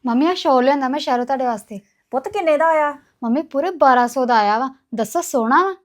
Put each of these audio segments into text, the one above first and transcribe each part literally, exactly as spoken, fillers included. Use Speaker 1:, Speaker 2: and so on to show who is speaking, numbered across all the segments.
Speaker 1: Mummy ਆ ਸ਼ੋਲ ਲਿਆਂਦਾ ਮੈਂ ਸ਼ਹਿਰੋਂ ਤੁਹਾਡੇ ਵਾਸਤੇ।
Speaker 2: ਪੁੱਤ ਕਿੰਨੇ ਦਾ ਆਇਆ?
Speaker 1: ਮੰਮੀ ਪੂਰੇ ਬਾਰਾਂ ਸੌ ਦਾ ਆਇਆ ਵਾ। ਦੱਸੋ ਸੋਹਣਾ ਵਾ?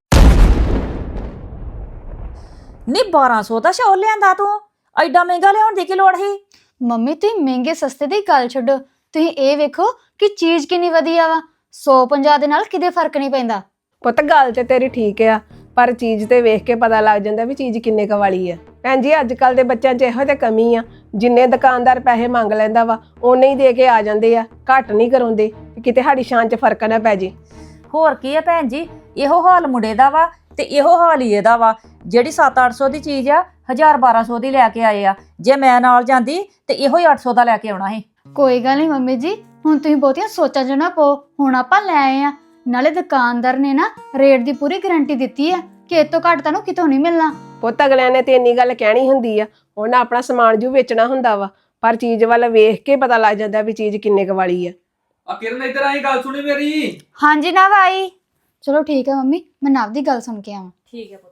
Speaker 2: ਨਹੀਂ ਬਾਰਾਂ ਸੌ ਦਾ ਸ਼ਾਲ ਲਿਆਂਦਾ ਤੂੰ? ਐਡਾ ਮਹਿੰਗਾ ਲਿਆਉਣ ਦੀ ਕੀ ਲੋੜ ਸੀ?
Speaker 1: ਮੰਮੀ ਤੁਸੀਂ ਮਹਿੰਗੇ ਸਸਤੇ ਦੀ ਗੱਲ ਛੱਡੋ, ਤੁਸੀਂ ਇਹ ਵੇਖੋ ਕਿ ਚੀਜ਼ ਕਿੰਨੀ ਵਧੀਆ ਵਾ। ਸੌ ਪੰਜਾਹ ਦੇ ਨਾਲ ਕਿਤੇ ਫਰਕ ਨਹੀਂ ਪੈਂਦਾ।
Speaker 3: ਪੁੱਤ ਗੱਲ ਤੇ ਤੇਰੀ ਠੀਕ ਆ, ਪਰ ਚੀਜ਼ ਤੇ ਵੇਖ ਕੇ ਪਤਾ ਲੱਗ ਜਾਂਦਾ ਵੀ ਚੀਜ਼ ਕਿੰਨੇ ਕੁ ਵਾਲੀ ਆ। ਭੈਣ ਜੀ ਅੱਜ ਕੱਲ ਦੇ ਬੱਚਿਆਂ 'ਚ ਇਹੋ ਤੇ ਕਮੀ ਆ, ਜਿੰਨੇ ਦੁਕਾਨਦਾਰ ਪੈਸੇ ਮੰਗ ਲੈਂਦਾ ਵਾ ਉਹਨੇ ਹੀ ਦੇ ਕੇ ਆ ਜਾਂਦੇ ਆ, ਘੱਟ ਨਹੀਂ ਕਰਾਉਂਦੇ ਕਿ ਕਿਤੇ ਸਾਡੀ ਸ਼ਾਨ 'ਚ ਫਰਕ ਨਾ ਪੈ ਜੇ।
Speaker 2: ਹੋਰ ਕੀ ਆ ਭੈਣ ਜੀ, ਇਹੋ ਹਾਲ ਮੁੰਡੇ ਦਾ ਵਾ ਤੇ ਇਹੋ ਹਾਲ ਹੀ ਇਹਦਾ ਵਾ। ਜਿਹੜੀ ਸੱਤ ਅੱਠ ਸੌ ਦੀ ਚੀਜ਼ ਆ ਹਜ਼ਾਰ ਬਾਰਾਂ ਸੌ ਦੀ ਲੈ ਕੇ ਆਏ ਆ। ਜੇ ਮੈਂ ਨਾਲ ਜਾਂਦੀ ਤੇ ਇਹੋ ਹੀ ਅੱਠ ਸੌ ਦਾ ਲੈ ਕੇ ਆਉਣਾ ਸੀ।
Speaker 1: ਕੋਈ ਗੱਲ ਨਹੀਂ ਮੰਮੀ ਜੀ, ਹੁਣ ਤੁਸੀਂ ਬਹੁਤੀਆਂ ਸੋਚਾਂ 'ਚ ਨਾ ਪਓ। ਹੁਣ ਆਪਾਂ ਲੈ ਆਏ ਆ, ਨਾਲੇ ਦੁਕਾਨਦਾਰ ਨੇ ਨਾ ਰੇਟ ਦੀ ਪੂਰੀ ਗਾਰੰਟੀ ਦਿੱਤੀ ਆ ਕਿ ਇਹ ਤੋਂ ਘੱਟ ਤੁਹਾਨੂੰ ਕਿਤੋਂ ਨਹੀਂ ਮਿਲਣਾ।
Speaker 3: ਪੁੱਤ ਅਗਲਿਆਂ ਨੇ ਤੇ ਇੰਨੀ ਗੱਲ ਕਹਿਣੀ ਹੁੰਦੀ ਆ, ਉਹਨਾਂ ਆਪਣਾ ਸਮਾਨ ਜੂ ਵੇਚਣਾ ਹੁੰਦਾ ਵਾ, ਪਰ ਚੀਜ਼ ਵੱਲ ਵੇਖ ਕੇ ਪਤਾ ਲੱਗ ਜਾਂਦਾ ਵੀ ਚੀਜ਼ ਕਿੰਨੇ ਕੁ ਵਾਲੀ ਆ।
Speaker 4: ਆ ਕਿਰਨ ਇੱਧਰ ਆਈ, ਗੱਲ ਸੁਣੀ ਮੇਰੀ।
Speaker 1: ਹਾਂਜੀ ਨਵ ਆਈ। ਚਲੋ ਠੀਕ ਹੈ ਮੰਮੀ, ਮੈਂ ਨਵ ਦੀ ਗੱਲ ਸੁਣ ਕੇ ਆਵਾਂ।
Speaker 2: ਠੀਕ ਹੈ ਪੁੱਤ।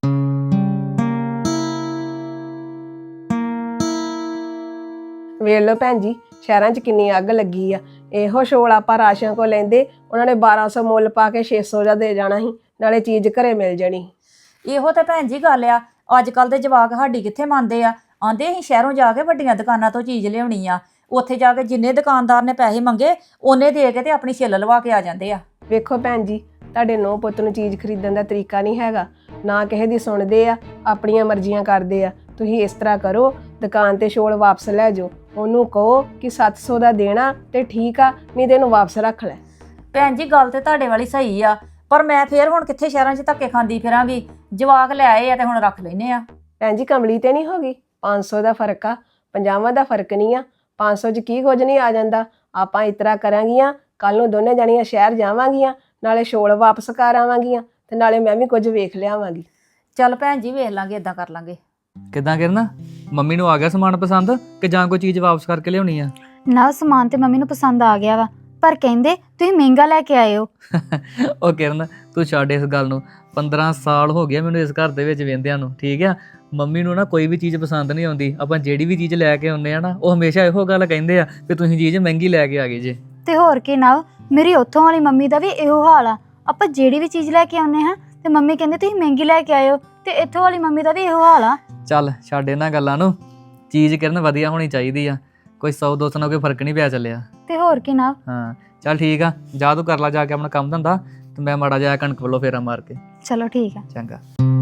Speaker 3: ਵੇਖ ਲਓ ਭੈਣ ਜੀ, ਸ਼ਹਿਰਾਂ 'ਚ ਕਿੰਨੀ ਅੱਗ ਲੱਗੀ ਆ। ਇਹੋ ਸ਼ੋਲ ਆਪਾਂ ਰਾਸ਼ਨ ਕੋ ਲੈਂਦੇ, ਉਹਨਾਂ ਨੇ ਬਾਰਾਂ ਸੌ ਮੁੱਲ ਪਾ ਕੇ ਛੇ ਸੌ ਦਾ ਦੇ ਜਾਣਾ ਸੀ, ਨਾਲੇ ਚੀਜ਼ ਘਰੇ ਮਿਲ ਜਾਣੀ।
Speaker 2: ਇਹੋ ਤੇ ਭੈਣ ਜੀ ਗੱਲ ਆ। ਅੱਜ ਕੱਲ ਦੇ ਜਵਾਕ ਸਾਡੀ ਕਿੱਥੇ ਮੰਨਦੇ ਆ। ਆਂਦੇ ਅਸੀਂ ਸ਼ਹਿਰੋਂ ਜਾ ਕੇ ਵੱਡੀਆਂ ਦੁਕਾਨਾਂ ਤੋਂ ਚੀਜ਼ ਲਿਆਉਣੀ ਆ, ਉੱਥੇ ਜਾ ਕੇ ਜਿੰਨੇ ਦੁਕਾਨਦਾਰ ਨੇ ਪੈਸੇ ਮੰਗੇ ਉਹਨੇ ਦੇ ਕੇ ਤੇ ਆਪਣੀ ਛਿੱਲ ਲਵਾ ਕੇ ਆ ਜਾਂਦੇ ਆ।
Speaker 3: ਵੇਖੋ ਭੈਣ ਜੀ, ਤੁਹਾਡੇ ਨੂੰਹ ਪੁੱਤ ਨੂੰ ਚੀਜ਼ ਖਰੀਦਣ ਦਾ ਤਰੀਕਾ ਨਹੀਂ ਹੈਗਾ, ਨਾ ਕਿਸੇ ਦੀ ਸੁਣਦੇ ਆ, ਆਪਣੀਆਂ ਮਰਜ਼ੀਆਂ ਕਰਦੇ ਆ। ਤੁਸੀਂ ਇਸ ਤਰ੍ਹਾਂ ਕਰੋ, ਦੁਕਾਨ ਤੇ ਸ਼ੋਲ ਵਾਪਸ ਲੈ ਜਾਓ, ਉਹਨੂੰ ਕਹੋ ਕਿ ਸੱਤ ਸੌ ਦਾ ਦੇਣਾ ਤੇ ਠੀਕ ਆ, ਨਹੀਂ ਤੇ ਇਹਨੂੰ ਵਾਪਸ ਰੱਖ ਲੈ।
Speaker 2: ਭੈਣ ਜੀ ਗੱਲ ਤੇ ਤੁਹਾਡੇ ਵਾਲੀ ਸਹੀ ਆ, ਪਰ ਮੈਂ ਫੇਰ ਹੁਣ ਕਿੱਥੇ ਸ਼ਹਿਰਾਂ 'ਚ ਧੱਕੇ ਖਾਂਦੀ ਫਿਰਾਂਗੀ। ਜਵਾਕ ਲੈ ਆਏ ਆ ਤੇ ਹੁਣ ਰੱਖ ਲੈਨੇ ਆ।
Speaker 3: ਭੈਣ ਜੀ ਕਮਲੀ ਤੇ ਨਹੀਂ ਹੋ ਗਈ, ਪੰਜ ਸੌ ਦਾ ਫਰਕ ਆ, ਪੰਜਾਹਾਂ ਦਾ ਫਰਕ ਨਹੀਂ ਆ। ਪੰਜ ਸੌ 'ਚ ਕੀ ਕੁਝ ਨਹੀਂ ਆ ਜਾਂਦਾ। ਆਪਾਂ ਇਸ ਤਰ੍ਹਾਂ ਕਰਾਂਗੀਆਂ, ਕੱਲ ਨੂੰ ਦੋਨੇ ਜਾਣੀਆਂ ਸ਼ਹਿਰ ਜਾਵਾਂਗੀਆਂ, ਨਾਲੇ ਸ਼ੋਲ ਵਾਪਸ ਕਰ ਆਵਾਂਗੀਆਂ ਤੇ ਨਾਲੇ ਮੈਂ ਵੀ ਕੁਝ ਵੇਖ ਲਿਆਵਾਂਗੀ।
Speaker 2: ਚੱਲ ਭੈਣ ਜੀ ਵੇਖ ਲਾਂਗੇ, ਇਦਾਂ ਕਰ ਲਾਂਗੇ।
Speaker 4: ਕਿੱਦਾਂ ਕਿਰਨ, ਮੰਮੀ ਨੂੰ ਆ ਗਿਆ ਸਮਾਨ ਪਸੰਦ ਕਿ ਜਾਂ ਕੋਈ ਚੀਜ਼ ਵਾਪਸ ਕਰਕੇ ਲਿਆਉਣੀ ਆ?
Speaker 1: ਨਵ ਸਮਾਨ ਤੇ ਮੰਮੀ ਨੂੰ ਪਸੰਦ ਆ ਗਿਆ ਵਾ, ਪਰ ਕਹਿੰਦੇ ਤੁਸੀਂ ਮਹਿੰਗਾ ਲੈ ਕੇ ਆਏ ਹੋ।
Speaker 4: ਉਹ ਕਿਰਨ ਤੂੰ ਛੱਡ ਇਸ ਗੱਲ ਨੂੰ। ਪੰਦਰਾਂ ਸਾਲ ਹੋ ਗਿਆ ਮੈਨੂੰ ਇਸ ਘਰ ਦੇ ਵਿੱਚ ਵੇਂਦਿਆਂ ਨੂੰ, ਠੀਕ ਆ। ਮੰਮੀ ਨੂੰ ਨਾ ਕੋਈ ਵੀ ਚੀਜ਼ ਪਸੰਦ ਨਹੀਂ ਆਉਂਦੀ। ਆਪਾਂ ਜਿਹੜੀ ਵੀ ਚੀਜ਼ ਲੈ ਕੇ ਆਉਂਦੇ ਆ ਨਾ, ਉਹ ਹਮੇਸ਼ਾ ਇਹੋ ਗੱਲ ਕਹਿੰਦੇ ਆ ਕਿ ਤੁਸੀਂ ਚੀਜ਼ ਮਹਿੰਗੀ ਲੈ ਕੇ ਆ ਗਏ ਜੇ।
Speaker 1: ਤੇ ਹੋਰ ਕੀ ਨਵ, ਮੇਰੀ ਉੱਥੋਂ ਵਾਲੀ ਮੰਮੀ ਦਾ ਵੀ ਇਹੋ ਹਾਲ ਆ। ਆਪਾਂ ਜਿਹੜੀ ਵੀ ਚੀਜ਼ ਲੈ ਕੇ ਆਉਂਦੇ ਹਾਂ ਤੇ ਮੰਮੀ ਕਹਿੰਦੇ ਤੁਸੀਂ ਮਹਿੰਗੀ ਲੈ ਕੇ ਆਏ ਹੋ, ਤੇ ਇੱਥੋਂ ਵਾਲੀ ਮੰਮੀ ਦਾ ਵੀ ਇਹੋ ਹਾਲ ਆ।
Speaker 4: ਚੱਲ ਛੱਡ ਇਹਨਾਂ ਗੱਲਾਂ ਨੂੰ, ਚੀਜ਼ ਕਿਰਨ ਵਧੀਆ ਹੋਣੀ ਚਾਹੀਦੀ ਆ। ਕੋਈ ਸੌ ਦੋ ਸੌ ਨਾਲ ਕੋਈ ਫਰਕ ਨਹੀਂ ਪਿਆ ਚੱਲਿਆ।
Speaker 1: ਤੇ ਹੋਰ ਕੀ ਨਵ।
Speaker 4: ਹਾਂ ਚੱਲ ਠੀਕ ਆ, ਜਾ ਤੂੰ ਕਰ ਲਾ ਜਾ ਕੇ ਆਪਣਾ ਕੰਮ ਧੰਦਾ, ਤੇ ਮੈਂ ਮਾੜਾ ਜਿਹਾ ਕਣਕ ਵੱਲੋਂ ਫੇਰਾ ਮਾਰ ਕੇ।
Speaker 1: ਚਲੋ ਠੀਕ ਆ।
Speaker 4: ਚੰਗਾ।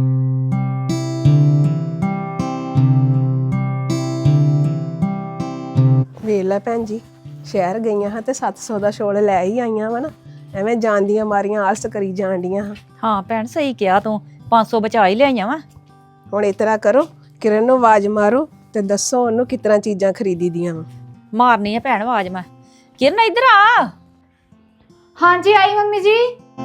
Speaker 3: ਵੇਖ ਲੈ ਭੈਣ ਜੀ, ਸ਼ਹਿਰ ਗਈਆਂ ਹਾਂ ਤੇ ਸੱਤ ਸੌ ਦਾ ਸ਼ੋਲ ਲੈ ਹੀ ਆਈਆਂ ਵਾ ਨਾ, ਐਵੇਂ ਜਾਣ ਦੀਆਂ ਮਾਰੀਆਂ ਆਲਸ ਕਰੀ ਜਾਣ ਡੀਆਂ ਹਾਂ।
Speaker 2: ਹਾਂ ਭੈਣ ਸਹੀ ਕਿਹਾ ਤੂੰ, ਪੰਜ ਸੌ ਬਚਾ ਹੀ ਲਿਆਈਆਂ ਵਾ।
Speaker 3: ਹੁਣ ਇਸ ਤਰ੍ਹਾਂ ਕਰੋ, ਕਿਰਨ ਨੂੰ ਆਵਾਜ਼ ਮਾਰੋ ਤੇ ਦੱਸੋ ਉਹਨੂੰ ਕਿਸ ਤਰ੍ਹਾਂ ਚੀਜ਼ਾਂ ਖਰੀਦੀ ਦੀਆਂ ਵਾ।
Speaker 2: ਮਾਰਨੀ ਆ ਭੈਣ ਆਵਾਜ਼ ਮੈਂ। ਕਿਰਨ ਇੱਧਰ ਆ।
Speaker 1: ਹਾਂਜੀ ਆਈ ਮੰਮੀ ਜੀ।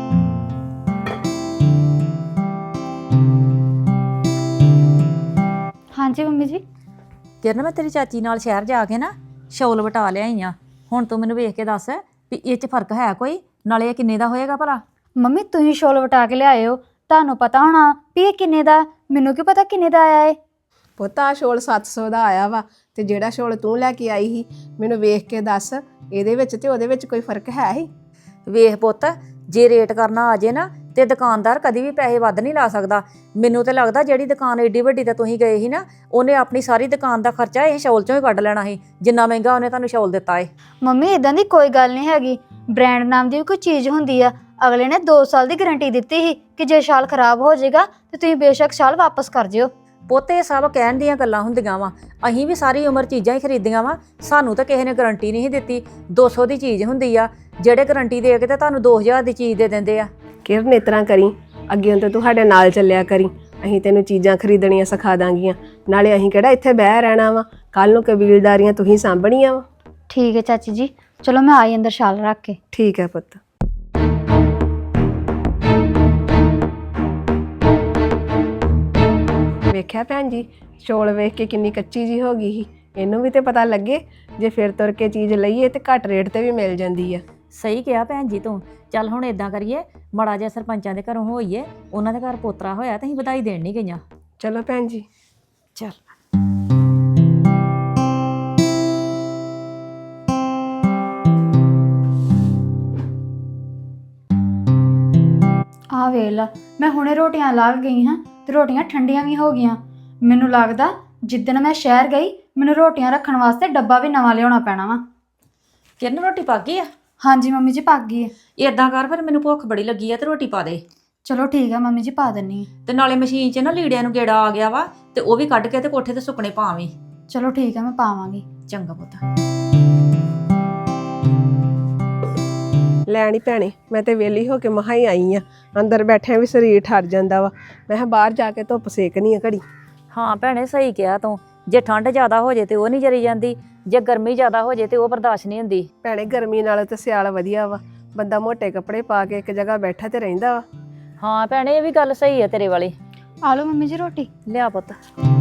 Speaker 1: ਹਾਂਜੀ ਮੰਮੀ ਜੀ।
Speaker 2: ਕਿਰਨ ਮੈਂ ਤੇਰੀ ਚਾਚੀ ਨਾਲ ਸ਼ਹਿਰ ਜਾ ਕੇ ਨਾ ਸ਼ੌਲ ਵਟਾ ਲਿਆਈ ਆ। ਹੁਣ ਤੂੰ ਮੈਨੂੰ ਵੇਖ ਕੇ ਦੱਸ ਵੀ ਇਹ 'ਚ ਫਰਕ ਹੈ ਕੋਈ, ਨਾਲੇ ਇਹ ਕਿੰਨੇ ਦਾ ਹੋਏਗਾ ਭਲਾ?
Speaker 1: ਮੰਮੀ ਤੁਸੀਂ ਸ਼ੋਲ ਵਟਾ ਕੇ ਲਿਆਏ ਹੋ, ਤੁਹਾਨੂੰ ਪਤਾ ਹੋਣਾ ਵੀ ਇਹ ਕਿੰਨੇ ਦਾ। ਮੈਨੂੰ ਕੀ ਪਤਾ ਕਿੰਨੇ ਦਾ ਆਇਆ ਏ।
Speaker 3: ਪੁੱਤ ਆਹ ਸ਼ੋਲ ਸੱਤ ਸੌ ਦਾ ਆਇਆ ਵਾ, ਤੇ ਜਿਹੜਾ ਸ਼ੋਲ ਤੂੰ ਲੈ ਕੇ ਆਈ ਸੀ ਮੈਨੂੰ ਵੇਖ ਕੇ ਦੱਸ, ਇਹਦੇ ਵਿੱਚ ਤੇ ਉਹਦੇ ਵਿੱਚ ਕੋਈ ਫਰਕ ਹੈ ਹੀ?
Speaker 2: ਵੇਖ ਪੁੱਤ, ਜੇ ਰੇਟ ਕਰਨਾ ਆ ਜੇ ਨਾ ਤੇ ਦੁਕਾਨਦਾਰ ਕਦੀ ਵੀ ਪੈਸੇ ਵੱਧ ਨਹੀਂ ਲਾ ਸਕਦਾ। ਮੈਨੂੰ ਤੇ ਲੱਗਦਾ ਜਿਹੜੀ ਦੁਕਾਨ ਏਡੀ ਵੱਡੀ ਤੇ ਤੁਸੀਂ ਗਏ ਸੀ ਨਾ, ਉਹਨੇ ਆਪਣੀ ਸਾਰੀ ਦੁਕਾਨ ਦਾ ਖਰਚਾ ਇਹ ਸ਼ੌਲ ਚੋਂ ਹੀ ਕੱਢ ਲੈਣਾ ਸੀ, ਜਿੰਨਾ ਮਹਿੰਗਾ ਉਹਨੇ ਤੁਹਾਨੂੰ ਸ਼ੌਲ ਦਿੱਤਾ ਏ।
Speaker 1: ਮੰਮੀ ਇਦਾਂ ਦੀ ਕੋਈ ਗੱਲ ਨਹੀਂ ਹੈਗੀ। ਬ੍ਰਾਂਡ ਨਾਮ ਦੀ ਵੀ ਕੋਈ ਚੀਜ਼ ਹੁੰਦੀ ਆ। ਅਗਲੇ ਨੇ ਦੋ ਸਾਲ ਦੀ ਗਾਰੰਟੀ ਦਿੱਤੀ ਸੀ ਕਿ ਜੇ ਸ਼ਾਲ ਖਰਾਬ ਹੋ ਜਾਏਗਾ ਤੇ ਤੁਸੀਂ ਬੇਸ਼ੱਕ ਸ਼ਾਲ ਵਾਪਸ ਕਰ ਜਿਓ।
Speaker 2: ਪੁੱਤ ਇਹ ਸਭ ਕਹਿਣ ਦੀਆਂ ਗੱਲਾਂ ਹੁੰਦੀਆਂ ਵਾ। ਅਸੀਂ ਵੀ ਸਾਰੀ ਉਮਰ ਚੀਜ਼ਾਂ ਹੀ ਖਰੀਦੀਆਂ ਵਾ, ਸਾਨੂੰ ਤਾਂ ਕਿਸੇ ਨੇ ਗਾਰੰਟੀ ਨਹੀਂ ਦਿੱਤੀ। ਦੋ ਸੌ ਦੀ ਚੀਜ਼ ਹੁੰਦੀ ਆ, ਜਿਹੜੇ ਗਾਰੰਟੀ ਦੇ ਕੇ ਤੇ ਤੁਹਾਨੂੰ ਦੋ ਹਜ਼ਾਰ ਦੀ ਚੀਜ਼ ਦੇ ਦਿੰਦੇ ਆ।
Speaker 3: ਕਿਰਨ ਇਸ ਤਰ੍ਹਾਂ ਕਰੀ, ਅੱਗੇ ਤੋਂ ਤੁਹਾਡੇ ਨਾਲ ਚੱਲਿਆ ਕਰੀ, ਅਸੀਂ ਤੈਨੂੰ ਚੀਜ਼ਾਂ ਖਰੀਦਣੀਆਂ ਸਿਖਾ ਦਾਂਗੀਆਂ। ਨਾਲੇ ਅਸੀਂ ਕਿਹੜਾ ਇੱਥੇ ਬਹਿ ਰਹਿਣਾ ਵਾ, ਕੱਲ ਨੂੰ ਕਬੀਲਦਾਰੀਆਂ ਤੁਸੀਂ ਸਾਂਭਣੀਆਂ ਵਾ।
Speaker 1: ਠੀਕ ਹੈ ਚਾਚੀ ਜੀ, ਚਲੋ ਮੈਂ ਆਈ ਅੰਦਰ ਸ਼ਾਲ ਰੱਖ ਕੇ।
Speaker 3: ਠੀਕ ਹੈ ਪੁੱਤ। ਵੇਖਿਆ ਭੈਣ ਜੀ, ਸ਼ੋਲ ਵੇਖ ਕੇ ਕਿੰਨੀ ਕੱਚੀ ਜੀ ਹੋ ਗਈ ਸੀ। ਇਹਨੂੰ ਵੀ ਤੇ ਪਤਾ ਲੱਗੇ, ਜੇ ਫਿਰ ਤੁਰ ਕੇ ਚੀਜ਼ ਲਈਏ ਤੇ ਘੱਟ ਰੇਟ ਤੇ ਵੀ ਮਿਲ ਜਾਂਦੀ ਆ।
Speaker 2: ਸਹੀ ਕਿਹਾ ਭੈਣ ਜੀ ਤੂੰ। ਚੱਲ ਹੁਣ ਇਦਾਂ ਕਰੀਏ, ਮਾੜਾ ਜਿਹਾ ਸਰਪੰਚਾਂ ਦੇ ਘਰੋਂ ਹੋਈਏ, ਉਹਨਾਂ ਦੇ ਘਰ ਪੋਤਰਾ ਹੋਇਆ ਤੇ ਅਸੀਂ ਵਧਾਈ ਦੇਣ ਨਹੀਂ ਗਈਆਂ।
Speaker 3: ਚਲੋ ਭੈਣ ਜੀ।
Speaker 2: ਚੱਲ।
Speaker 1: ਆ ਵੇਖ ਲਾ, ਮੈਂ ਹੁਣੇ ਰੋਟੀਆਂ ਲਾ ਕੇ ਗਈ ਹਾਂ ਤੇ ਰੋਟੀਆਂ ਠੰਡੀਆਂ ਵੀ ਹੋ ਗਈਆਂ। ਮੈਨੂੰ ਲੱਗਦਾ ਜਿੱਦਣ ਮੈਂ ਸ਼ਹਿਰ ਗਈ ਮੈਨੂੰ ਰੋਟੀਆਂ ਰੱਖਣ ਵਾਸਤੇ ਡੱਬਾ ਵੀ ਨਵਾਂ ਲਿਆਉਣਾ ਪੈਣਾ ਵਾ।
Speaker 2: ਕਿਰਨ ਰੋਟੀ ਪੱਕ ਗਈ ਆ?
Speaker 1: ਹਾਂਜੀ ਮੰਮੀ ਜੀ, ਪੱਕ ਗਈ ਹੈ।
Speaker 2: ਏਦਾਂ ਕਰ, ਫਿਰ ਮੈਨੂੰ ਭੁੱਖ ਬੜੀ ਲੱਗੀ ਆ ਤੇ ਰੋਟੀ ਪਾ ਦੇ।
Speaker 1: ਚਲੋ ਠੀਕ ਆ ਮੰਮੀ ਜੀ, ਪਾ ਦਿੰਨੀ ਆ।
Speaker 2: ਤੇ ਨਾਲੇ ਮਸ਼ੀਨ 'ਚ ਨਾ ਲੀੜਿਆਂ ਨੂੰ ਗੇੜਾ ਆ ਗਿਆ ਵਾ, ਤੇ ਉਹ ਵੀ ਕੱਢ ਕੇ ਤੇ ਕੋਠੇ ਤੇ ਸੁੱਕਣੇ ਪਾਵੀਂ।
Speaker 1: ਚਲੋ ਠੀਕ ਆ, ਮੈਂ ਪਾਵਾਂਗੀ।
Speaker 2: ਚੰਗਾ ਪੁੱਤ।
Speaker 3: ਲੈਣੀ ਭੈਣੇ, ਮੈਂ ਤੇ ਵਿਹਲੀ ਹੋ ਕੇ ਮਹਾ ਹੀ ਆਈ ਆ। ਅੰਦਰ ਬੈਠਿਆਂ ਵੀ ਸਰੀਰ ਠਰ ਜਾਂਦਾ ਵਾ। ਮੈਂ ਕਿਹਾ ਬਾਹਰ ਜਾ ਕੇ ਧੁੱਪ ਸੇਕਣੀ ਆ ਘੜੀ।
Speaker 2: ਹਾਂ ਭੈਣੇ, ਸਹੀ ਕਿਹਾ ਤੂੰ। ਜੇ ਠੰਡ ਜ਼ਿਆਦਾ ਹੋ ਜੇ ਤੇ ਉਹ ਨਹੀਂ ਜਰੀ ਜਾਂਦੀ, ਜੇ ਗਰਮੀ ਜ਼ਿਆਦਾ ਹੋ ਜੇ ਤੇ ਉਹ ਬਰਦਾਸ਼ਤ ਨਹੀਂ ਹੁੰਦੀ।
Speaker 3: ਭੈਣੇ ਗਰਮੀ ਨਾਲੋਂ ਤੇ ਸਿਆਲ ਵਧੀਆ ਵਾ, ਬੰਦਾ ਮੋਟੇ ਕੱਪੜੇ ਪਾ ਕੇ ਇੱਕ ਜਗ੍ਹਾ ਬੈਠਾ ਤੇ ਰਹਿੰਦਾ ਵਾ।
Speaker 2: ਹਾਂ ਭੈਣੇ, ਇਹ ਵੀ ਗੱਲ ਸਹੀ ਹੈ ਤੇਰੇ ਵਾਲੀ।
Speaker 1: ਆ ਲਓ ਮੰਮੀ ਜੀ ਰੋਟੀ।
Speaker 2: ਲਿਆ ਪੁੱਤ।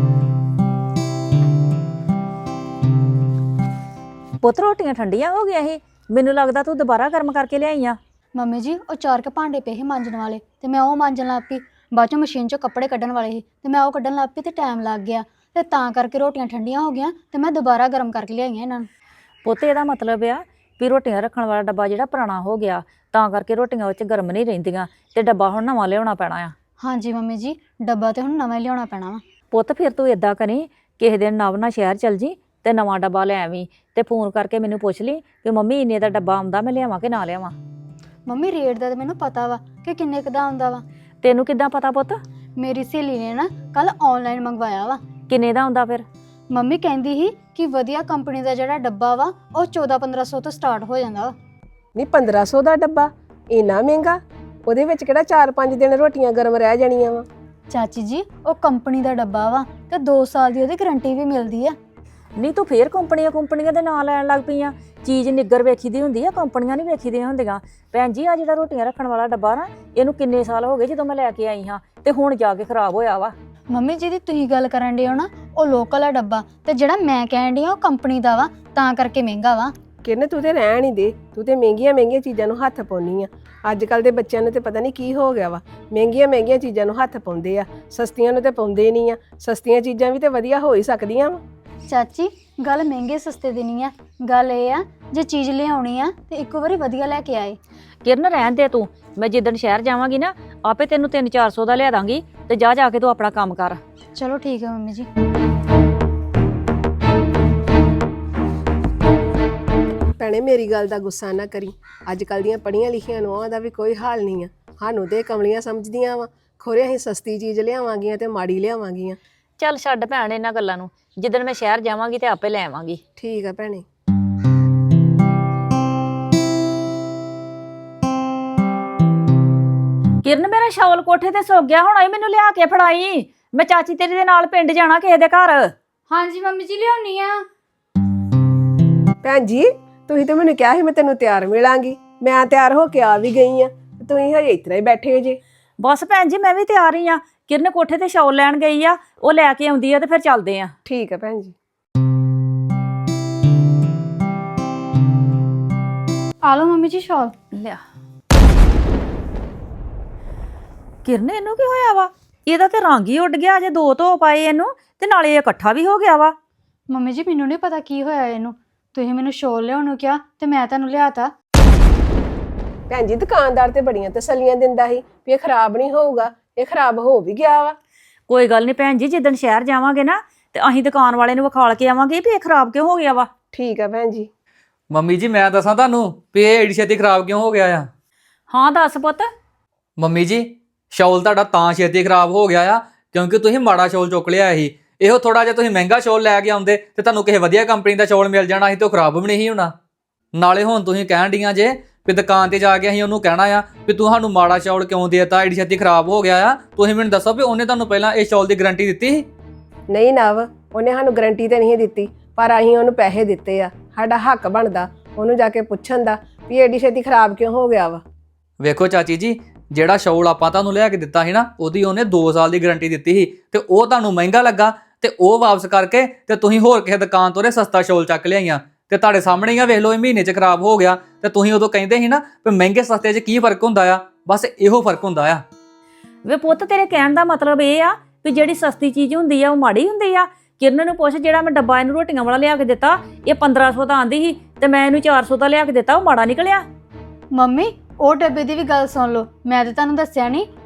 Speaker 2: ਪੁੱਤ ਰੋਟੀਆਂ ਠੰਡੀਆਂ ਹੋ ਗਈਆਂ ਸੀ, ਮੈਨੂੰ ਲੱਗਦਾ ਤੂੰ ਦੁਬਾਰਾ ਗਰਮ ਕਰਕੇ ਲਿਆਈ ਆ।
Speaker 1: ਮੰਮੀ ਜੀ ਉਹ ਚਾਰ ਕੇ ਭਾਂਡੇ ਪਏ ਸੀ ਮਾਂਜਣ ਵਾਲੇ ਤੇ ਮੈਂ ਉਹ ਮਾਂਜਣ ਲੱਗ ਪਈ। ਬਾਅਦ ਚੋਂ ਮਸ਼ੀਨ ਚੋਂ ਕੱਪੜੇ ਕੱਢਣ ਵਾਲੇ ਸੀ ਤੇ ਮੈਂ ਉਹ ਕੱਢਣ ਲੱਗ ਪਈ ਤੇ ਟਾਈਮ ਲੱਗ ਗਿਆ ਤੇ ਤਾਂ ਕਰਕੇ ਰੋਟੀਆਂ ਠੰਡੀਆਂ ਹੋ ਗਈਆਂ ਤੇ ਮੈਂ ਦੁਬਾਰਾ ਗਰਮ ਕਰਕੇ ਲਿਆਈਆਂ ਇਹਨਾਂ ਨੂੰ।
Speaker 2: ਪੁੱਤ ਇਹਦਾ ਮਤਲਬ ਆ ਵੀ ਰੋਟੀਆਂ ਰੱਖਣ ਵਾਲਾ ਡੱਬਾ ਜਿਹੜਾ ਪੁਰਾਣਾ ਹੋ ਗਿਆ, ਤਾਂ ਕਰਕੇ ਰੋਟੀਆਂ ਉਹ 'ਚ ਗਰਮ ਨਹੀਂ ਰਹਿੰਦੀਆਂ ਤੇ ਡੱਬਾ ਹੁਣ ਨਵਾਂ ਲਿਆਉਣਾ ਪੈਣਾ ਆ।
Speaker 1: ਹਾਂਜੀ ਮੰਮੀ ਜੀ, ਡੱਬਾ ਤੇ ਹੁਣ ਨਵਾਂ ਹੀ ਲਿਆਉਣਾ ਪੈਣਾ ਵਾ।
Speaker 2: ਪੁੱਤ ਫਿਰ ਤੂੰ ਇਦਾਂ ਕਰੀ, ਕਿਸੇ ਦਿਨ ਨਵ ਨਾਲ ਸ਼ਹਿਰ ਚੱਲ ਜੀ ਤੇ ਨਵਾਂ ਡੱਬਾ ਲੈ ਆਵੀਂ ਤੇ ਫੋਨ ਕਰਕੇ ਮੈਨੂੰ ਪੁੱਛ ਲਈ ਕਿ ਮੰਮੀ ਇੰਨੇ ਦਾ ਡੱਬਾ ਆਉਂਦਾ, ਮੈਂ ਲਿਆਵਾਂ ਕਿ ਨਾ ਲਿਆਵਾਂ।
Speaker 1: ਮੰਮੀ ਰੇਟ ਦਾ ਤਾਂ ਮੈਨੂੰ ਪਤਾ ਵਾ ਕਿ ਕਿੰਨੇ ਕੁ ਦਾ ਆਉਂਦਾ ਵਾ।
Speaker 2: ਤੈਨੂੰ ਕਿੱਦਾਂ ਪਤਾ ਪੁੱਤ?
Speaker 1: ਮੇਰੀ ਸਹੇਲੀ ਨੇ ਨਾ ਕੱਲ ਆਨਲਾਈਨ ਮੰਗਵਾਇਆ ਵਾ।
Speaker 2: ਕਿੰਨੇ ਦਾ ਆਉਂਦਾ ਫਿਰ?
Speaker 1: ਮੰਮੀ ਕਹਿੰਦੀ ਸੀ ਕਿ ਵਧੀਆ ਕੰਪਨੀ ਦਾ ਜਿਹੜਾ ਡੱਬਾ ਵਾ ਉਹ ਚੌਦਾਂ ਪੰਦਰਾਂ ਸੌ ਤੋਂ ਸਟਾਰਟ ਹੋ ਜਾਂਦਾ ਵਾ।
Speaker 3: ਨਹੀਂ ਪੰਦਰਾਂ ਸੌ ਦਾ ਡੱਬਾ ਇੰਨਾ ਮਹਿੰਗਾ? ਉਹਦੇ ਵਿੱਚ ਕਿਹੜਾ ਚਾਰ ਪੰਜ ਦਿਨ ਰੋਟੀਆਂ ਗਰਮ ਰਹਿ ਜਾਣੀਆਂ ਵਾ।
Speaker 1: ਚਾਚੀ ਜੀ ਉਹ ਕੰਪਨੀ ਦਾ ਡੱਬਾ ਵਾ ਤੇ ਦੋ ਸਾਲ ਦੀ ਉਹਦੀ ਗਾਰੰਟੀ ਵੀ ਮਿਲਦੀ ਆ।
Speaker 2: ਨਹੀਂ ਤੂੰ ਫੇਰ ਕੰਪਨੀਆਂ ਕੰਪਨੀਆਂ ਦੇ ਨਾਂ ਲੈਣ ਲੱਗ ਪਈ ਆ। ਚੀਜ਼ ਨਿੱਗਰ ਵੇਖੀ ਦੀ ਹੁੰਦੀ ਆ, ਕੰਪਨੀਆਂ ਨਹੀਂ ਵੇਖੀ ਦੀਆਂ ਹੁੰਦੀਆਂ। ਭੈਣ ਜੀ ਆ ਜਿਹੜਾ ਰੋਟੀਆਂ ਰੱਖਣ ਵਾਲਾ ਡੱਬਾ ਨਾ, ਇਹਨੂੰ ਕਿੰਨੇ ਸਾਲ ਹੋ ਗਏ ਜਦੋਂ ਮੈਂ ਲੈ ਕੇ ਆਈ ਹਾਂ ਤੇ ਹੁਣ ਜਾ ਕੇ ਖਰਾਬ ਹੋਇਆ ਵਾ।
Speaker 1: ਮੰਮੀ ਜਿਹਦੀ ਤੁਸੀਂ ਗੱਲ ਕਰਨ ਡੇ ਹੋ ਨਾ ਉਹ ਲੋਕਲ ਆ ਡੱਬਾ, ਤੇ ਜਿਹੜਾ ਮੈਂ ਕਹਿਣ ਡਈ ਆ ਉਹ ਕੰਪਨੀ ਦਾ ਵਾ, ਤਾਂ ਕਰਕੇ ਮਹਿੰਗਾ ਵਾ।
Speaker 3: ਕਿਰਨ ਤੂੰ ਤੇ ਰਹਿਣ ਹੀ ਦੇ, ਤੂੰ ਤੇ ਮਹਿੰਗੀਆਂ ਮਹਿੰਗੀਆਂ ਚੀਜ਼ਾਂ ਨੂੰ ਹੱਥ ਪਾਉਣੀ ਆ। ਅੱਜ ਕੱਲ ਦੇ ਬੱਚਿਆਂ ਨੂੰ ਤੇ ਪਤਾ ਨਹੀਂ ਕੀ ਹੋ ਗਿਆ ਵਾ, ਮਹਿੰਗੀਆਂ ਮਹਿੰਗੀਆਂ ਚੀਜ਼ਾਂ ਨੂੰ ਹੱਥ ਪਾਉਂਦੇ ਆ, ਸਸਤੀਆਂ ਨੂੰ ਤੇ ਪਾਉਂਦੇ ਨਹੀਂ ਆ। ਸਸਤੀਆਂ ਚੀਜ਼ਾਂ ਵੀ ਤੇ ਵਧੀਆ ਹੋ ਹੀ ਸਕਦੀਆਂ ਵਾ।
Speaker 1: ਚਾਚੀ ਗੱਲ ਮਹਿੰਗੇ ਸਸਤੇ ਦੀ ਨਹੀਂ ਆ, ਗੱਲ ਇਹ ਆ ਜੇ ਚੀਜ਼ ਲਿਆਉਣੀ ਆ ਤੇ ਇੱਕੋ ਵਾਰੀ ਵਧੀਆ ਲੈ ਕੇ ਆਏ।
Speaker 2: ਕਿਰਨ ਰਹਿਣ ਦੇ ਤੂੰ, ਮੈਂ ਜਿੱਦਣ ਸ਼ਹਿਰ ਜਾਵਾਂਗੀ ਨਾ ਆਪੇ ਤੈਨੂੰ ਤਿੰਨ ਚਾਰ ਸੌ ਦਾ ਲਿਆ ਦਾਂਗੀ ਤੇ ਜਾ ਜਾ ਕੇ ਤੂੰ ਆਪਣਾ ਕੰਮ ਕਰ।
Speaker 1: ਚਲੋ ਠੀਕ ਹੈ ਮੰਮੀ ਜੀ।
Speaker 3: ਭੈਣੇ ਮੇਰੀ ਗੱਲ ਦਾ ਗੁੱਸਾ ਨਾ ਕਰੀ, ਅੱਜ ਕੱਲ ਦੀਆਂ ਪੜ੍ਹੀਆਂ ਲਿਖੀਆਂ ਨੂੰਹਾਂ ਦਾ ਵੀ ਕੋਈ ਹਾਲ ਨਹੀਂ ਆ। ਸਾਨੂੰ ਤੇ ਕਮਲੀਆਂ ਸਮਝਦੀਆਂ ਵਾ, ਖੋਰੇ ਅਸੀਂ ਸਸਤੀ ਚੀਜ਼ ਲਿਆਵਾਂਗੀਆਂ ਤੇ ਮਾੜੀ ਲਿਆਵਾਂਗੀਆਂ।
Speaker 2: ਚੱਲ ਛੱਡ ਭੈਣ ਇਹਨਾਂ ਗੱਲਾਂ ਨੂੰ, ਜਿੱਦਣ ਮੈਂ ਸ਼ਹਿਰ ਜਾਵਾਂਗੀ ਤੇ ਆਪੇ ਲੈ ਆਵਾਂਗੀ।
Speaker 3: ਠੀਕ ਆ ਭੈਣੇ।
Speaker 2: ਕਿਰਨ ਮੇਰਾ ਸ਼ਾਲ ਕੋਠੇ ਤੇ ਸੁੱਕ ਗਿਆ, ਹੁਣ ਮੈਨੂੰ ਲਿਆ ਕੇ ਫੜਾਈ। ਮੈਂ ਚਾਚੀ ਤੇਰੀ ਦੇ ਨਾਲ ਪਿੰਡ ਜਾਣਾ ਕਿਸੇ ਦੇ ਘਰ।
Speaker 1: ਹਾਂਜੀ ਮੰਮੀ ਜੀ ਲਿਆਉਣੀ ਆ।
Speaker 3: ਭੈਣ ਜੀ ਤੁਸੀਂ ਤਾਂ ਮੈਨੂੰ ਕਿਹਾ ਸੀ ਮੈਂ ਤੈਨੂੰ ਤਿਆਰ ਮਿਲਾਂਗੀ, ਮੈਂ ਤਿਆਰ ਹੋ ਕੇ ਆ ਵੀ ਗਈ ਆ, ਤੁਸੀਂ ਹਜੇ ਇਤਰਾ ਹੀ ਬੈਠੇ ਜੇ।
Speaker 2: ਬਸ ਭੈਣ ਜੀ ਮੈਂ ਵੀ ਤਿਆਰ ਹੀ ਆ। ਕਿਰਨ ਕੋਠੇ ਤੇ ਸ਼ਾਲ ਲੈਣ ਗਈ ਆ, ਉਹ ਲੈ ਕੇ ਆਉਂਦੀ ਆ ਤੇ ਫਿਰ ਚੱਲਦੇ ਆ।
Speaker 3: ਠੀਕ ਆ ਭੈਣ ਜੀ।
Speaker 1: ਆ ਲਓ ਮੰਮੀ ਜੀ ਸ਼ਾਲ।
Speaker 2: ਲਿਆ। ਕਿਰਨ ਇਹਨੂੰ ਕੀ ਹੋਇਆ ਵਾ? ਇਹਦਾ ਤੇ ਰੰਗ ਹੀ ਉੱਡ ਗਿਆ, ਅਜੇ ਦੋ ਧੋ ਪਾਏ ਇਹਨੂੰ ਤੇ ਨਾਲੇ ਇਹ ਇਕੱਠਾ ਵੀ ਹੋ ਗਿਆ ਵਾ।
Speaker 1: ਮੰਮੀ ਜੀ ਮੈਨੂੰ ਨਹੀਂ ਪਤਾ ਕੀ ਹੋਇਆ ਇਹਨੂੰ, ਤੁਸੀਂ ਮੈਨੂੰ ਸ਼ਾਲ ਲਿਆਉਣ ਨੂੰ ਕਿਹਾ ਤੇ ਮੈਂ ਤੁਹਾਨੂੰ ਲਿਆਤਾ।
Speaker 3: ਭੈਣ ਜੀ ਦੁਕਾਨਦਾਰ ਤੇ ਬੜੀਆਂ ਤਸੱਲੀਆਂ ਦਿੰਦਾ ਸੀ ਵੀ ਇਹ ਖਰਾਬ ਨਹੀਂ ਹੋਊਗਾ, ਇਹ ਖਰਾਬ ਹੋ ਵੀ ਗਿਆ ਵਾ।
Speaker 2: ਕੋਈ ਗੱਲ ਨਹੀਂ ਭੈਣ ਜੀ, ਜਿੱਦਣ ਸ਼ਹਿਰ ਜਾਵਾਂਗੇ ਨਾ ਤੇ ਅਸੀਂ ਦੁਕਾਨ ਵਾਲੇ ਨੂੰ ਵਿਖਾਲ ਕੇ ਆਵਾਂਗੇ ਵੀ ਇਹ ਖਰਾਬ ਕਿਉਂ ਹੋ ਗਿਆ ਵਾ।
Speaker 3: ਠੀਕ ਆ ਭੈਣ ਜੀ।
Speaker 4: ਮੰਮੀ ਜੀ ਮੈਂ ਦੱਸਾਂ ਤੁਹਾਨੂੰ ਵੀ ਇਹ ਏਡੀ ਛੇਤੀ ਖਰਾਬ ਕਿਉਂ ਹੋ ਗਿਆ ਆ।
Speaker 2: ਹਾਂ ਦੱਸ ਪੁੱਤ।
Speaker 4: ਮੰਮੀ ਜੀ ਸ਼ਾਲ ਤੁਹਾਡਾ ਤਾਂ ਛੇਤੀ ਖਰਾਬ ਹੋ ਗਿਆ ਆ ਕਿਉਂਕਿ ਤੁਸੀਂ ਮਾੜਾ ਸ਼ਾਲ ਚੁੱਕ ਲਿਆ ਸੀ। ਇਹੋ ਥੋੜਾ ਜਿਹਾ ਤੁਸੀਂ ਮਹਿੰਗਾ ਸ਼ਾਲ ਲੈ ਕੇ ਆਉਂਦੇ ਤੇ ਤੁਹਾਨੂੰ ਕਿਸੇ ਵਧੀਆ ਕੰਪਨੀ ਦਾ ਸ਼ਾਲ ਮਿਲ ਜਾਣਾ ਸੀ ਤੇ ਉਹ ਖਰਾਬ ਵੀ ਨਹੀਂ ਸੀ ਹੋਣਾ। ਨਾਲੇ ਹੁਣ ਤੁਸੀਂ ਕਹਿਣ ਡੀਆਂ ਜੇ ਵੀ ਦੁਕਾਨ ਤੇ ਜਾ ਕੇ ਅਸੀਂ ਉਹਨੂੰ ਕਹਿਣਾ ਆ ਵੀ ਤੂੰ ਸਾਨੂੰ ਮਾੜਾ ਸ਼ਾਲ ਕਿਉਂ ਦੇਤਾ, ਏਡੀ ਛੇਤੀ ਖਰਾਬ ਹੋ ਗਿਆ ਆ। ਤੁਸੀਂ ਮੈਨੂੰ ਦੱਸੋ ਵੀ ਉਹਨੇ ਤੁਹਾਨੂੰ ਪਹਿਲਾਂ ਇਹ ਸ਼ਾਲ ਦੀ ਗਾਰੰਟੀ ਦਿੱਤੀ ਸੀ?
Speaker 3: ਨਹੀਂ ਨਵ, ਉਹਨੇ ਸਾਨੂੰ ਗਾਰੰਟੀ ਤੇ ਨਹੀਂ ਦਿੱਤੀ, ਪਰ ਅਸੀਂ ਉਹਨੂੰ ਪੈਸੇ ਦਿੱਤੇ ਆ। ਸਾਡਾ ਹੱਕ ਬਣਦਾ ਉਹਨੂੰ ਜਾ ਕੇ ਪੁੱਛਣ ਦਾ ਵੀ ਏਡੀ ਛੇਤੀ ਖਰਾਬ ਕਿਉਂ ਹੋ ਗਿਆ ਵਾ।
Speaker 4: ਵੇਖੋ ਚਾਚੀ ਜੀ, ਜਿਹੜਾ ਸ਼ਾਲ ਆਪਾਂ ਤੁਹਾਨੂੰ ਲਿਆ ਕੇ ਦਿੱਤਾ ਸੀ ਨਾ ਉਹਦੀ ਉਹਨੇ ਦੋ ਸਾਲ ਦੀ ਗਾਰੰਟੀ ਦਿੱਤੀ ਸੀ ਤੇ ਉਹ ਤੁਹਾਨੂੰ ਮਹਿੰਗਾ ਲੱਗਾ ਤੇ ਉਹ ਵਾਪਸ ਕਰਕੇ ਤੇ ਤੁਸੀਂ ਹੋਰ ਕਿਸੇ ਦੁਕਾਨ ਤੋਂ ਸਸਤਾ ਸ਼ਾਲ ਚੱਕ ਲਿਆਈਆਂ ਤੇ ਤੁਹਾਡੇ ਸਾਹਮਣੇ ਹੀ ਆ, ਵੇਖ ਲਓ ਇਹ ਮਹੀਨੇ 'ਚ ਖਰਾਬ ਹੋ ਗਿਆ। ਤੇ ਤੁਸੀਂ ਉਦੋਂ ਕਹਿੰਦੇ ਸੀ ਨਾ ਵੀ ਮਹਿੰਗੇ ਸਸਤੇ 'ਚ ਕੀ ਫਰਕ ਹੁੰਦਾ ਆ, ਬਸ ਇਹੋ ਫਰਕ ਹੁੰਦਾ ਆ।
Speaker 2: ਵੇ ਪੁੱਤ ਤੇਰੇ ਕਹਿਣ ਦਾ ਮਤਲਬ ਇਹ ਆ ਵੀ ਜਿਹੜੀ ਸਸਤੀ ਚੀਜ਼ ਹੁੰਦੀ ਆ ਉਹ ਮਾੜੀ ਹੁੰਦੀ ਆ? ਕਿਰਨ ਨੂੰ ਪੁੱਛ, ਜਿਹੜਾ ਮੈਂ ਡੱਬਾ ਇਹਨੂੰ ਰੋਟੀਆਂ ਵਾਲਾ ਲਿਆ ਕੇ ਦਿੱਤਾ ਇਹ ਪੰਦਰਾਂ ਸੌ ਦਾ ਆਂਦੀ ਸੀ ਤੇ ਮੈਂ ਇਹਨੂੰ ਚਾਰ ਸੌ ਦਾ ਲਿਆ ਕੇ ਦਿੱਤਾ, ਉਹ ਮਾੜਾ ਨਿਕਲਿਆ?
Speaker 1: ਮੰਮੀ ਉਹ ਡੱਬੇ ਦੀ ਵੀ ਗੱਲ ਸੁਣ ਲਓ, ਮੈਂ ਤਾਂ ਤੁਹਾਨੂੰ ਦੱਸਿਆ ਨਹੀਂ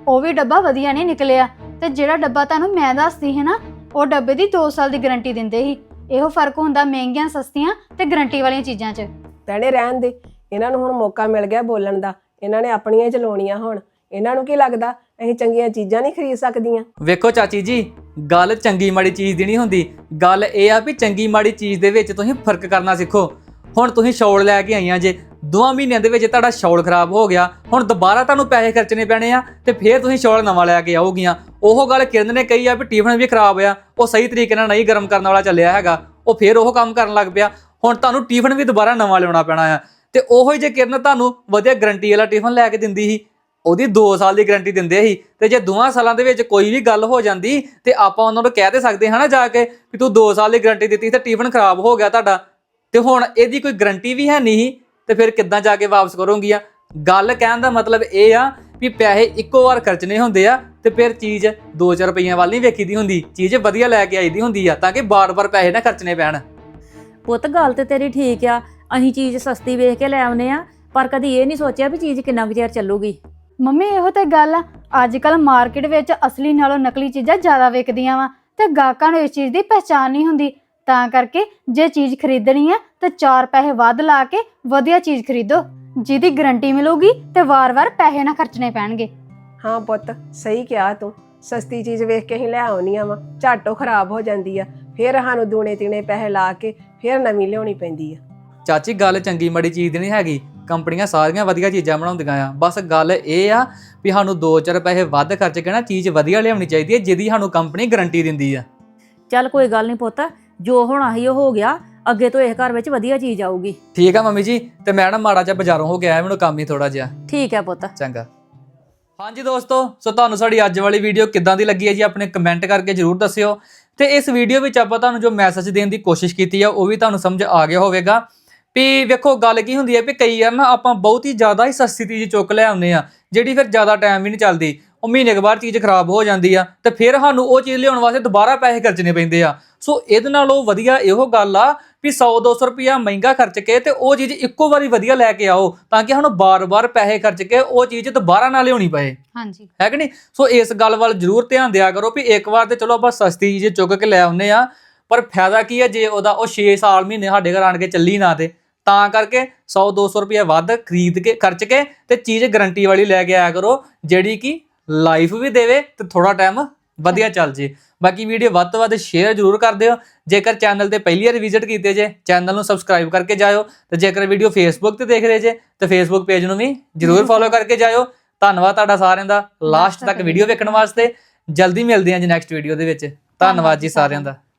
Speaker 1: ਉਹ ਵੀ ਡੱਬਾ ਵਧੀਆ ਨਹੀਂ ਨਿਕਲਿਆ ਤੇ ਜਿਹੜਾ ਡੱਬਾ ਤੁਹਾਨੂੰ ਮੈਂ ਦੱਸਦੀ ਹੈ ਨਾ ਉਹ ਡੱਬੇ ਦੀ ਦੋ ਸਾਲ ਦੀ ਗਾਰੰਟੀ ਦਿੰਦੇ ਸੀ। ਇਹੋ ਫਰਕ ਹੁੰਦਾ ਮਹਿੰਗੀਆਂ ਸਸਤੀਆਂ ਤੇ ਗਾਰੰਟੀ ਵਾਲੀਆਂ ਚੀਜ਼ਾਂ 'ਚ।
Speaker 3: ਭੈਣੇ ਰਹਿਣ ਦੇ, ਇਹਨਾਂ ਨੂੰ ਹੁਣ ਮੌਕਾ ਮਿਲ ਗਿਆ ਬੋਲਣ ਦਾ, ਇਹਨਾਂ ਨੇ ਆਪਣੀਆਂ ਹੀ ਚਲਾਉਣੀਆਂ ਹੁਣ। ਇਹਨਾਂ ਨੂੰ ਕੀ ਲੱਗਦਾ ਅਸੀਂ ਚੰਗੀਆਂ ਚੀਜ਼ਾਂ ਨਹੀਂ ਖਰੀਦ ਸਕਦੀਆਂ?
Speaker 4: ਵੇਖੋ ਚਾਚੀ ਜੀ, ਗੱਲ ਚੰਗੀ ਮਾੜੀ ਚੀਜ਼ ਦੀ ਨਹੀਂ ਹੁੰਦੀ, ਗੱਲ ਇਹ ਆ ਵੀ ਚੰਗੀ ਮਾੜੀ ਚੀਜ਼ ਦੇ ਵਿੱਚ ਤੁਸੀਂ ਫਰਕ ਕਰਨਾ ਸਿੱਖੋ। ਹੁਣ ਤੁਸੀਂ ਸ਼ੌਲ ਲੈ ਕੇ ਆਈਆਂ ਜੇ, ਦੋਵਾਂ ਮਹੀਨਿਆਂ ਦੇ ਵਿੱਚ ਤੁਹਾਡਾ ਸ਼ੌਲ ਖਰਾਬ ਹੋ ਗਿਆ, ਹੁਣ ਦੁਬਾਰਾ ਤੁਹਾਨੂੰ ਪੈਸੇ ਖਰਚਣੇ ਪੈਣੇ ਆ ਤੇ ਫਿਰ ਤੁਸੀਂ ਸ਼ੌਲ ਨਵਾਂ ਲੈ ਕੇ ਆਓਗੀਆਂ। ਉਹ ਗੱਲ ਕਿਰਨ ਨੇ ਕਹੀ ਆ ਵੀ ਟਿਫਨ ਵੀ ਖਰਾਬ ਆ, ਉਹ ਸਹੀ ਤਰੀਕੇ ਨਾਲ ਨਹੀਂ ਗਰਮ ਕਰਨ ਵਾਲਾ ਚੱਲਿਆ ਹੈਗਾ, ਉਹ ਫਿਰ ਉਹ ਕੰਮ ਕਰਨ ਲੱਗ ਪਿਆ। ਹੁਣ ਤੁਹਾਨੂੰ ਟਿਫਨ ਵੀ ਦੁਬਾਰਾ ਨਵਾਂ ਲਿਆਉਣਾ ਪੈਣਾ ਆ। ਤੇ ਉਹੋ ਹੀ ਜੇ ਕਿਰਨ ਤੁਹਾਨੂੰ ਵਧੀਆ ਗਰੰਟੀ ਵਾਲਾ ਟਿਫਨ ਲੈ ਕੇ ਦਿੰਦੀ ਸੀ, ਉਹਦੀ ਦੋ ਸਾਲ ਦੀ ਗਾਰੰਟੀ ਦਿੰਦੇ ਸੀ, ਤੇ ਜੇ ਦੋਵਾਂ ਸਾਲਾਂ ਦੇ ਵਿੱਚ ਕੋਈ ਵੀ ਗੱਲ ਹੋ ਜਾਂਦੀ ਤੇ ਆਪਾਂ ਉਹਨਾਂ ਨੂੰ ਕਹਿ ਦੇ ਸਕਦੇ ਹਾਂ ਨਾ ਜਾ ਕੇ ਵੀ ਤੂੰ ਦੋ ਸਾਲ ਦੀ ਗਾਰੰਟੀ ਦਿੱਤੀ ਤੇ ਟਿਫਨ ਖਰਾਬ ਹੋ ਗਿਆ ਤੁਹਾਡਾ, ਤੇ ਹੁਣ ਇਹਦੀ ਕੋਈ ਗਾਰੰਟੀ ਵੀ ਹੈ ਨਹੀਂ ਤੇ ਫਿਰ ਕਿੱਦਾਂ ਜਾ ਕੇ ਵਾਪਸ ਕਰੋਗੀਆਂ? ਗੱਲ ਕਹਿਣ ਦਾ ਮਤਲਬ ਇਹ ਆ ਵੀ ਪੈਸੇ ਇੱਕੋ ਵਾਰ ਖਰਚਣੇ ਹੁੰਦੇ ਆ ਤੇ ਫਿਰ ਚੀਜ਼ ਦੋ ਚਾਰ ਰੁਪਈਆਂ ਵੱਲ ਨਹੀਂ ਵੇਖੀਦੀ ਹੁੰਦੀ, ਚੀਜ਼ ਵਧੀਆ ਲੈ ਕੇ ਆਈਦੀ ਹੁੰਦੀ ਆ ਤਾਂ ਕਿ ਬਾਰ-ਬਾਰ ਪੈਸੇ ਨਾ ਖਰਚਣੇ ਪੈਣ।
Speaker 2: ਪੁੱਤ ਗੱਲ ਤੇ ਤੇਰੀ ਠੀਕ ਆ, ਅਸੀਂ ਚੀਜ਼ ਸਸਤੀ ਵੇਖ ਕੇ ਲੈ ਆਉਨੇ ਆ, ਪਰ ਕਦੀ ਇਹ ਨਹੀਂ ਸੋਚਿਆ ਵੀ ਚੀਜ਼ ਕਿੰਨਾ ਕੁ ਚਿਰ ਚੱਲੂਗੀ।
Speaker 1: ਮੰਮੀ ਇਹੋ ਤੇ ਗੱਲ ਆ, ਅੱਜ ਕੱਲ ਮਾਰਕੀਟ ਵਿੱਚ ਅਸਲੀ ਨਾਲੋਂ ਨਕਲੀ ਚੀਜ਼ਾਂ ਜ਼ਿਆਦਾ ਵਿਕਦੀਆਂ ਵਾ ਤੇ ਗਾਹਕਾਂ ਨੂੰ ਇਸ ਚੀਜ਼ ਦੀ ਪਹਿਚਾਣ ਨਹੀਂ ਹੁੰਦੀ। ਤਾਂ ਕਰਕੇ ਜੇ ਚੀਜ਼ ਖਰੀਦਣੀ ਆ ਤੇ ਚਾਰ ਪੈਸੇ ਵੱਧ ਲਾ ਕੇ ਵਧੀਆ ਚੀਜ਼ ਖਰੀਦੋ, ਜਿਹਦੀ ਗਾਰੰਟੀ ਮਿਲੂਗੀ ਤੇ ਵਾਰ-ਵਾਰ ਪੈਸੇ ਨਾ ਖਰਚਣੇ ਪੈਣਗੇ।
Speaker 3: ਹਾਂ ਪੁੱਤ, ਸਹੀ ਕਿਹਾ ਤੂੰ। ਸਸਤੀ ਚੀਜ਼ ਵੇਖ ਕੇ ਅਸੀਂ ਲੈ ਆਉਣੀਆਂ ਵਾ, ਝੱਟੋ ਖਰਾਬ ਹੋ ਜਾਂਦੀ ਆ, ਫਿਰ ਸਾਨੂੰ ਦੂਣੇ ਤੀਣੇ ਪੈਸੇ ਲਾ ਕੇ ਫਿਰ ਨਵੀਂ ਲਿਆਉਣੀ ਪੈਂਦੀ ਆ।
Speaker 4: ਚਾਚੀ ਗੱਲ ਚੰਗੀ ਮਾੜੀ ਚੀਜ਼ ਦੀ ਨਹੀਂ ਹੈਗੀ, ਕੰਪਨੀਆਂ ਸਾਰੀਆਂ ਵਧੀਆ ਚੀਜ਼ਾਂ ਬਣਾਉਂਦੀਆਂ ਆ, ਬਸ ਗੱਲ ਇਹ ਆ ਵੀ ਸਾਨੂੰ ਦੋ ਚਾਰ ਪੈਸੇ ਵੱਧ ਖਰਚ ਕੇ ਨਾ ਚੀਜ਼ ਵਧੀਆ ਲਿਆਉਣੀ ਚਾਹੀਦੀ ਹੈ ਜਿਹਦੀ ਸਾਨੂੰ ਕੰਪਨੀ ਗਾਰੰਟੀ ਦਿੰਦੀ ਆ।
Speaker 2: ਚੱਲ ਕੋਈ ਗੱਲ ਨਹੀਂ ਪੁੱਤ, ਜੋ ਹੋਣਾ ਸੀ ਉਹ ਹੋ ਗਿਆ, ਅੱਗੇ ਤੋਂ ਇਸ ਘਰ ਵਿੱਚ ਵਧੀਆ ਚੀਜ਼ ਆਊਗੀ।
Speaker 4: ਠੀਕ ਆ ਮੰਮੀ ਜੀ, ਤੇ ਮੈਂ ਨਾ ਮਾੜਾ ਜਿਹਾ ਬਾਜ਼ਾਰੋਂ ਹੋ ਕੇ ਆਇਆ, ਮੈਨੂੰ ਕੰਮ ਹੀ ਥੋੜਾ ਜਿਹਾ।
Speaker 2: ਠੀਕ ਹੈ ਪੁੱਤ।
Speaker 4: ਚੰਗਾ। ਹਾਂਜੀ ਦੋਸਤੋ, ਸੋ ਤੁਹਾਨੂੰ ਸਾਡੀ ਅੱਜ ਵਾਲੀ ਵੀਡੀਓ ਕਿੱਦਾਂ ਦੀ ਲੱਗੀ ਹੈ ਜੀ ਆਪਣੇ ਕਮੈਂਟ ਕਰਕੇ ਜਰੂਰ ਦੱਸਿਓ। ਤੇ ਇਸ ਵੀਡੀਓ ਵਿੱਚ ਆਪਾਂ ਤੁਹਾਨੂੰ ਜੋ ਮੈਸੇਜ ਦੇਣ ਦੀ ਕੋਸ਼ਿਸ਼ ਕੀਤੀ ਆ ਉਹ ਵੀ ਤੁਹਾਨੂੰ ਸਮਝ ਆ ਗਿਆ ਹੋਵੇਗਾ ਵੀ ਵੇਖੋ ਗੱਲ ਕੀ ਹੁੰਦੀ ਹੈ ਵੀ ਕਈ ਵਾਰ ਨਾ ਆਪਾਂ ਬਹੁਤ ਹੀ ਜ਼ਿਆਦਾ ਹੀ ਸਸਤੀ ਚੀਜ਼ ਚੁੱਕ ਲੈ ਆਉਂਦੇ ਆ ਜਿਹੜੀ ਫਿਰ ਜ਼ਿਆਦਾ ਟਾਈਮ ਵੀ ਨਹੀਂ ਚੱਲਦੀ, ਉਹ ਮਹੀਨੇ ਕੁ ਬਾਅਦ ਚੀਜ਼ ਖਰਾਬ ਹੋ ਜਾਂਦੀ ਆ ਤੇ ਫਿਰ ਸਾਨੂੰ ਉਹ ਚੀਜ਼ ਲਿਆਉਣ ਵਾਸਤੇ ਦੁਬਾਰਾ ਪੈਸੇ ਖਰਚਣੇ ਪੈਂਦੇ ਆ। ਸੋ ਇਹਦੇ ਨਾਲੋਂ ਵਧੀਆ ਇਹੋ ਗੱਲ ਆ ਵੀ ਸੌ ਦੋ ਸੌ ਰੁਪਇਆ ਮਹਿੰਗਾ ਖਰਚ ਕੇ ਤੇ ਉਹ ਚੀਜ਼ ਇੱਕੋ ਵਾਰੀ ਵਧੀਆ ਲੈ ਕੇ ਆਓ ਤਾਂ ਕਿ ਸਾਨੂੰ ਬਾਰ-ਬਾਰ ਪੈਸੇ ਖਰਚ ਕੇ ਉਹ ਚੀਜ਼ ਦੁਬਾਰਾ ਨਾ ਲਿਆਉਣੀ ਪਏ।
Speaker 1: ਹਾਂਜੀ,
Speaker 4: ਹੈ ਕਿ ਨਹੀਂ? ਸੋ ਇਸ ਗੱਲ ਵੱਲ ਜ਼ਰੂਰ ਧਿਆਨ ਦਿਆ ਕਰੋ ਵੀ ਇੱਕ ਵਾਰ ਤੇ ਚਲੋ ਆਪਾਂ ਸਸਤੀ ਚੀਜ਼ ਚੁੱਕ ਕੇ ਲੈ ਆਉਂਦੇ ਆ, ਪਰ ਫਾਇਦਾ ਕੀ ਹੈ ਜੇ ਉਹਦਾ ਉਹ ਛੇ ਸਾਲ ਮਹੀਨੇ ਸਾਡੇ ਘਰ ਆਣ ਕੇ ਚੱਲੀ ਨਾ ਤੇ। ਤਾਂ ਕਰਕੇ ਸੌ ਦੋ ਸੌ ਰੁਪਇਆ ਵੱਧ ਖਰੀਦ ਕੇ ਖਰਚ ਕੇ ਤੇ ਚੀਜ਼ ਗਾਰੰਟੀ ਵਾਲੀ ਲੈ ਕੇ ਆਇਆ ਕਰੋ ਜਿਹੜੀ ਕਿ ਲਾਈਫ ਵੀ ਦੇਵੇ ਤੇ ਥੋੜਾ ਟਾਈਮ ਵਧੀਆ ਚੱਲ ਜੇ। ਬਾਕੀ ਵੀਡੀਓ ਵੱਧ ਤੋਂ ਵੱਧ ਸ਼ੇਅਰ ਜ਼ਰੂਰ ਕਰ ਦਿਓ। ਜੇਕਰ ਚੈਨਲ ਤੇ ਪਹਿਲੀ ਵਾਰ ਵਿਜ਼ਿਟ ਕੀਤੇ ਜੇ ਚੈਨਲ ਨੂੰ ਸਬਸਕ੍ਰਾਈਬ ਕਰਕੇ ਜਾਇਓ, ਤੇ ਜੇਕਰ ਵੀਡੀਓ ਫੇਸਬੁੱਕ ਤੇ ਦੇਖ ਰਹੇ ਜੇ ਤੇ ਫੇਸਬੁੱਕ ਪੇਜ ਨੂੰ ਵੀ ਜ਼ਰੂਰ ਫੋਲੋ ਕਰਕੇ ਜਾਇਓ। ਧੰਨਵਾਦ ਤੁਹਾਡਾ ਸਾਰਿਆਂ ਦਾ ਲਾਸਟ ਤੱਕ ਵੀਡੀਓ ਵੇਖਣ ਵਾਸਤੇ। ਜਲਦੀ ਮਿਲਦੇ ਹਾਂ ਜੀ ਨੈਕਸਟ ਵੀਡੀਓ ਦੇ ਵਿੱਚ। ਧੰਨਵਾਦ ਜੀ ਸਾਰਿਆਂ ਦਾ।